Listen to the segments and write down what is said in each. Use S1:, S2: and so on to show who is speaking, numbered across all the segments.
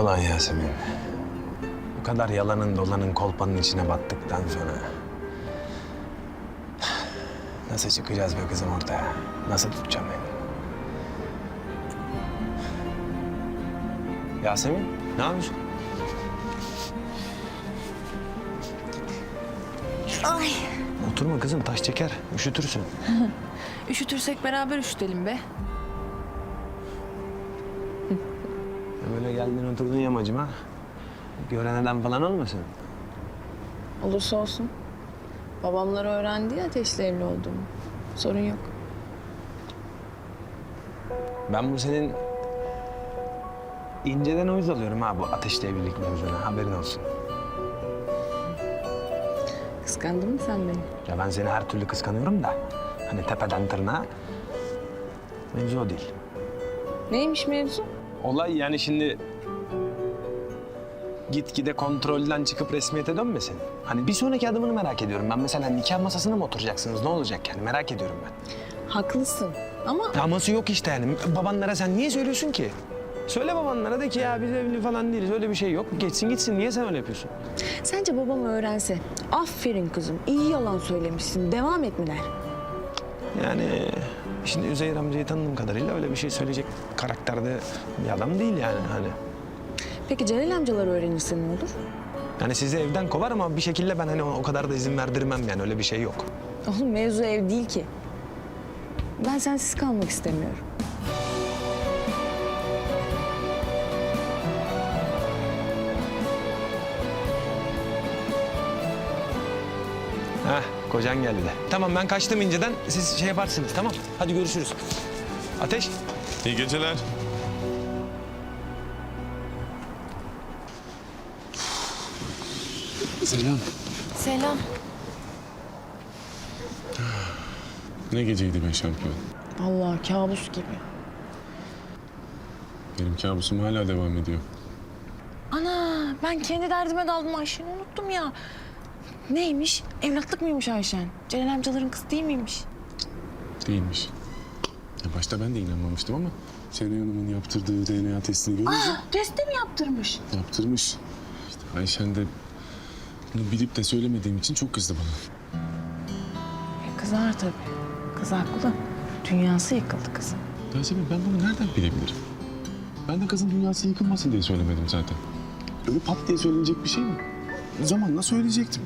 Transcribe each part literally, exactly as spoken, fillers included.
S1: Ulan Yasemin. Bu kadar yalanın dolanın kolpanın içine battıktan sonra... Nasıl çıkacağız be kızım ortaya? Nasıl tutacağım beni? Yasemin, ne yapıyorsun?
S2: Ay.
S1: Oturma kızım, taş çeker. Üşütürsün.
S2: Üşütürsek beraber üşütelim be.
S1: Böyle geldin oturdun yamacıma. Gören adam falan olmasın?
S2: Olursa olsun. Babamlar öğrendi ya ateşle evli olduğumu. Sorun yok.
S1: Ben bu senin inceden uyuz alıyorum ha bu ateşle evlilik mevzuna. Haberin olsun.
S2: Kıskandın mı sen beni?
S1: Ya ben seni her türlü kıskanıyorum da... ...hani tepeden tırnağa... ...mevzu o değil.
S2: Neymiş mevzu?
S1: Olay yani şimdi... ...gitgide kontrolden çıkıp resmiyete dönmesin. Hani bir sonraki adımını merak ediyorum. Ben mesela nikah masasına mı oturacaksınız? Ne olacak yani? Merak ediyorum ben.
S2: Haklısın ama...
S1: Aması yok işte yani. Babanlara sen niye söylüyorsun ki? Söyle babanlara de ki ya biz evli falan değiliz. Öyle bir şey yok. Geçsin gitsin. Niye sen öyle yapıyorsun?
S2: Sence babam öğrense, aferin kızım, iyi yalan söylemişsin, devam et mi der?
S1: Yani şimdi Üzeyir amcayı tanıdığım kadarıyla öyle bir şey söyleyecek karakterde bir adam değil yani hani.
S2: Peki Celal amcalar öğrenirse ne olur?
S1: Yani sizi evden kovar ama bir şekilde ben hani o kadar da izin verdirmem yani öyle bir şey yok.
S2: Oğlum mevzu ev değil ki. Ben sensiz kalmak istemiyorum.
S1: Heh, kocan geldi de. Tamam ben kaçtım inceden. Siz şey yaparsınız tamam. Hadi görüşürüz. Ateş.
S3: İyi geceler.
S4: Selam.
S2: Selam.
S3: Ne geceydi be şampiyon.
S2: Allah kabus gibi.
S3: Benim kabusum hala devam ediyor.
S2: Ana ben kendi derdime daldım Ayşen'i unuttum ya. Neymiş? Evlatlık mıymış Ayşen? Celal amcaların kızı değil miymiş?
S3: Değilmiş. Ya başta ben de inanmamıştım ama Şenay Hanım'ın yaptırdığı D N A testini görünce
S2: Aa, testi mi yaptırmış?
S3: yaptırmış. İşte Ayşen de bunu bilip de söylemediğim için çok kızdı bana.
S2: E, kızar tabii. Kız haklı. Dünyası yıkıldı kızın.
S3: Yasemin ben bunu nereden bilebilirim? Ben de kızın dünyası yıkılmasın diye söylemedim zaten. Öyle pat diye söylenecek bir şey mi? Zamanla söyleyecektim.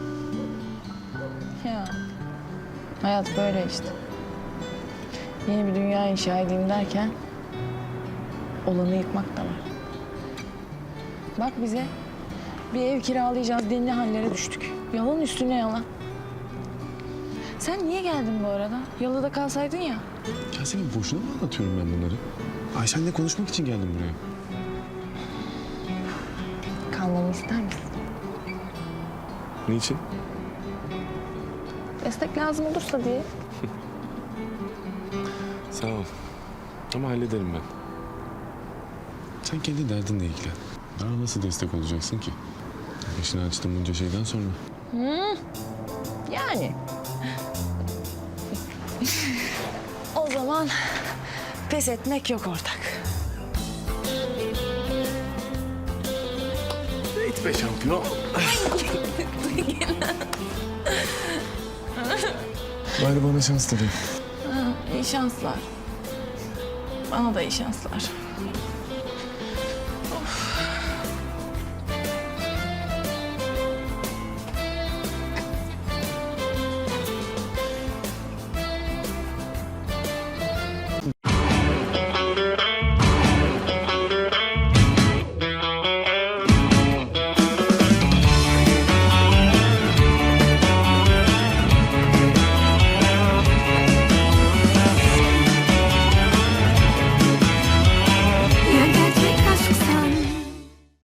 S2: Ya hayat böyle işte. Yeni bir dünya inşa edeyim derken olanı yıkmak da var. Bak bize bir ev kiralayacağız denli hallere düştük. Yalan üstüne yalan. Sen niye geldin bu arada? Yalıda kalsaydın ya.
S3: Yasemin boşuna mı anlatıyorum ben bunları? Ayşen'le konuşmak için geldim buraya.
S2: Kalmamı ister misin?
S3: Niçin?
S2: Destek lazım olursa diye.
S3: Sağ ol. Ama hallederim ben. Sen kendi derdinle ilgilen. Daha nasıl destek olacaksın ki? Başını açtım bunca şeyden sonra.
S2: Yani. O zaman pes etmek yok ortak.
S3: Git be şampiyon. Bari bana şans tabii.
S2: İyi şanslar. Bana da iyi şanslar.